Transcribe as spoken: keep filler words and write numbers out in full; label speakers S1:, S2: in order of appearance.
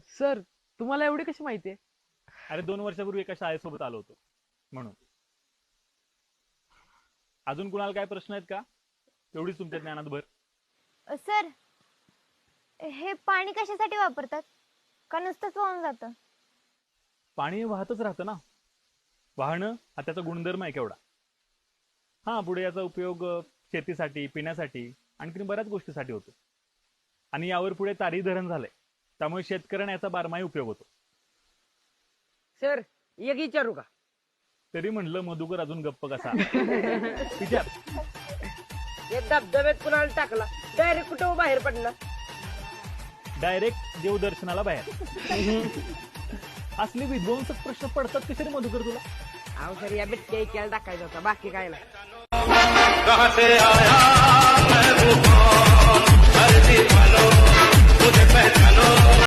S1: Sir तुम्हाला एवढी कशी माहिती आहे?
S2: अरे दोन वर्षापूर्वी एका शाळेसोबत आलो होतो म्हणून. अजून कुणाला काय प्रश्न आहेत का? तेवढीच तुमच्या ज्ञानात भर.
S3: सर हे पाणी कशासाठी वापरतात? का नुसतंच वाहून जातं?
S2: पाणी वाहतच राहतं ना. वाहणं हा त्याचा गुणधर्म आहे केवढा. हा पुढे याचा उपयोग अ, शेतीसाठी, पिण्यासाठी, आणखीन बऱ्याच गोष्टीसाठी होतो. आणि यावर पुढे तारी धरण झालंय, त्यामुळे शेतकऱ्यांना याचा बारमाही उपयोग होतो.
S1: सर एक विचारू का?
S2: तरी म्हणलं मधुकर अजून गप्प कसा. विचार.
S1: हे धबधब्यात कुणाला टाकला डायरेक्ट कुठं बाहेर पडला?
S2: डायरेक्ट देवदर्शनाला बाहेर. असले विध्वंसक प्रश्न पडतात कसे रे मधुकर तुला?
S1: अहो सर या बिटक्या इक्याला टाकायचा होता, बाकी काय नाही.
S4: कहां से आया मैं वो कौन, हर दीवानो मुझे पहचानो.